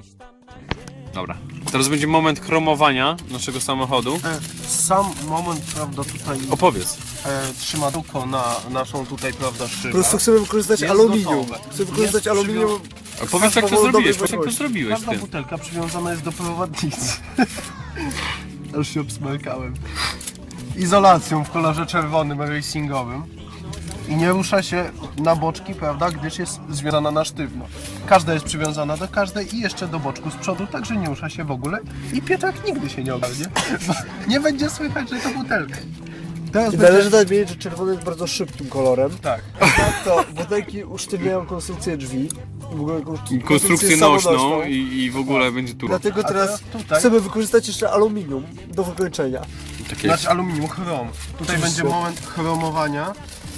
Dobra. Teraz będzie moment chromowania naszego samochodu. Sam moment, prawda, tutaj Opowiedz. trzyma duko na naszą tutaj, prawda, szybę. Po prostu chcemy wykorzystać Jest aluminium. gotowe. Chcemy wykorzystać Jest aluminium. A powiedz jak to powoduje zrobiłeś, dobrej powiedz jak to jakości. zrobiłeś Każda ty. butelka przywiązana jest do prowadnicy. Aż się obsmarkałem. Izolacją w kolorze czerwonym, racingowym. I nie rusza się na boczki, prawda, gdyż jest związana na sztywno. Każda jest przywiązana do każdej i jeszcze do boczku z przodu, także nie rusza się w ogóle. I pieczak nigdy się nie ogarnie, bo nie będzie słychać, że to butelka. Teraz I będzie... należy nadmienić, że czerwony jest bardzo szybkim kolorem. Tak. Tak to butelki usztywniają konstrukcję drzwi. I w ogóle Konstrukcję nośną samonośną. i w ogóle będzie tu. Dlatego A teraz teraz tutaj- chcemy wykorzystać jeszcze aluminium do wykończenia. Takie Znaczy aluminium, chrom. Tutaj będzie moment chromowania.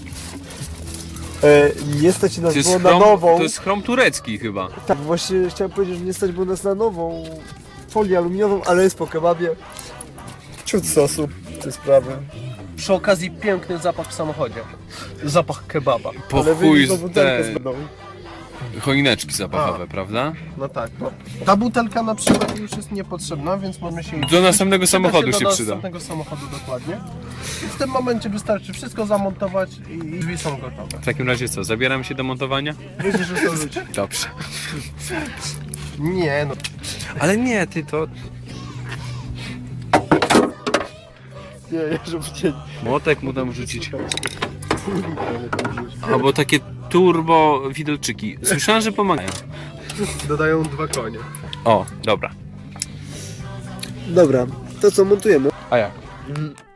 Nie stać nas to jest było na chrom, nową. to jest chrom turecki chyba. Tak, właśnie chciałem powiedzieć, że nie stać było nas na nową folię aluminiową, ale jest po kebabie. Ciut sosu, te sprawy. Przy okazji piękny zapach w samochodzie. Zapach kebaba. Po Ale chuj wyjdzie z butelkę te z wodą. choineczki zapachowe, prawda? No tak, no. Ta butelka na przykład już jest niepotrzebna, więc możemy się... Do następnego samochodu się do przyda. następnego samochodu, dokładnie. I w tym momencie wystarczy wszystko zamontować i drzwi są gotowe. W takim razie co, zabieramy się do montowania? Wiecie, że to ludzi. Dobrze. Nie no, Ale nie, ty to... Nie, żeby cię... Młotek mu tam rzucić. Albo takie turbo widelczyki. Słyszałem, że pomagają. dodają 2 konie. O, dobra. Dobra, to co, montujemy? A jak? Mm,